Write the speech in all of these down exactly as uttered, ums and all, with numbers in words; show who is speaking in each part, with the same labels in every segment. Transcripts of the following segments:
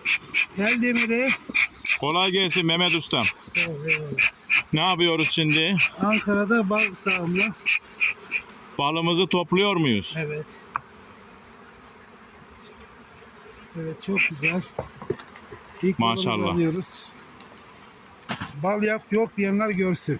Speaker 1: Gel Demir'e.
Speaker 2: Kolay gelsin Mehmet Ustam.
Speaker 1: Sağ ol, eyvallah.
Speaker 2: Ne yapıyoruz şimdi?
Speaker 1: Ankara'da bal sahamla.
Speaker 2: Balımızı topluyor muyuz?
Speaker 1: Evet. Evet, çok güzel. İlk balımızı
Speaker 2: Maşallah.
Speaker 1: alıyoruz. Bal yap yok diyenler görsün.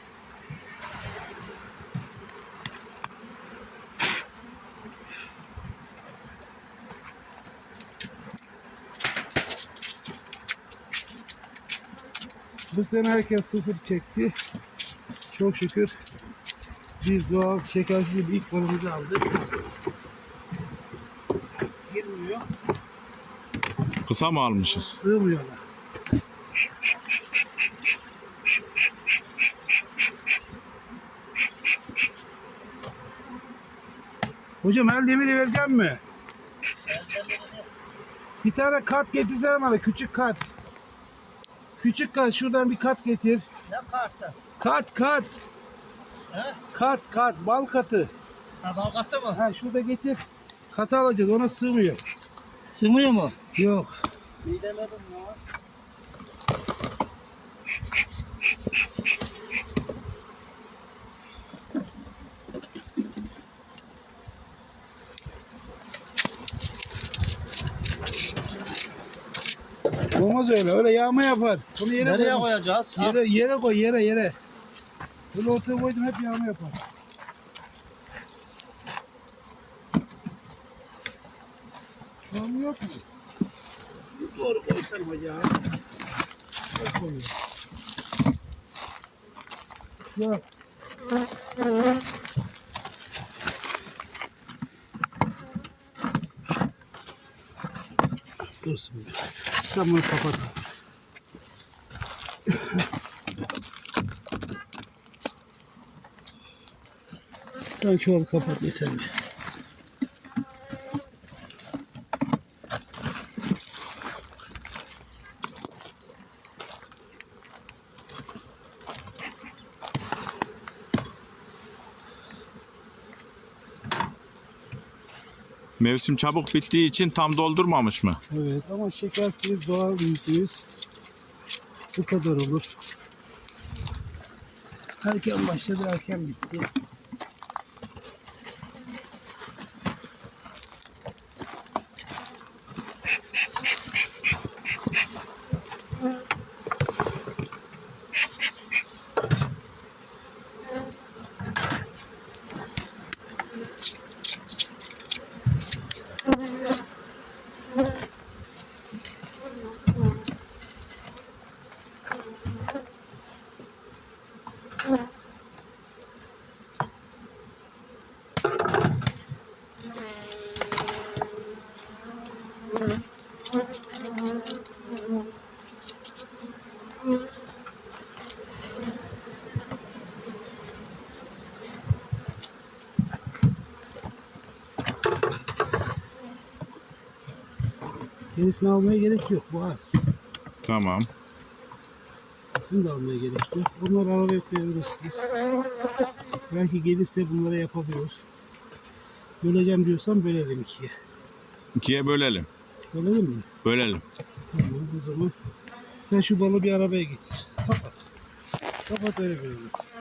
Speaker 1: Bu sene herkes sıfır çekti. Çok şükür biz doğal şekersiz bir ilk balımızı aldık. Girmiyor,
Speaker 2: Kısa mı almışız?
Speaker 1: sığmıyorlar. Hocam el demiri vereceğim mi? Bir tane kart getirsene bana, küçük kart. Küçük kart, şuradan bir kart getir.
Speaker 3: Ne kartı?
Speaker 1: Kart kart.
Speaker 3: He?
Speaker 1: Kart kart, bal katı.
Speaker 3: Ha, bal kattı mı?
Speaker 1: Ha, şurada getir. Katı alacağız, ona sığmıyor.
Speaker 3: Sığmıyor mu?
Speaker 1: Yok.
Speaker 3: Bilemedim ya.
Speaker 1: Olmaz öyle, öyle yağma yapar. Bunu yere
Speaker 3: Nereye
Speaker 1: koy.
Speaker 3: koyacağız? Ha?
Speaker 1: Yere, yere koy, yere yere. Bunu ortaya koydum, hep yağma yapar. Yağma yok mu? Doğru koysan hocam. Çok koyuyor. Yok. Dursun. Sen bunu kapat. Sen çuvalı kapat, yeter mi?
Speaker 2: Mevsim çabuk bittiği için tam doldurmamış mı?
Speaker 1: Evet, ama şekersiz doğal yüzde yüz. Bu kadar olur. Erken başladı, erken bitti. Yenisini almaya gerek yok, bu az.
Speaker 2: Tamam.
Speaker 1: Bunu da almaya gerek yok. Bunları arabaya koyabilirsiniz. Belki gelirse bunlara yapabiliyoruz. Böleceğim diyorsan bölelim ikiye.
Speaker 2: İkiye bölelim.
Speaker 1: Bölelim mi?
Speaker 2: Bölelim.
Speaker 1: Tamam, o zaman sen şu balı bir arabaya getir. Kapat. Kapat, öyle bölelim.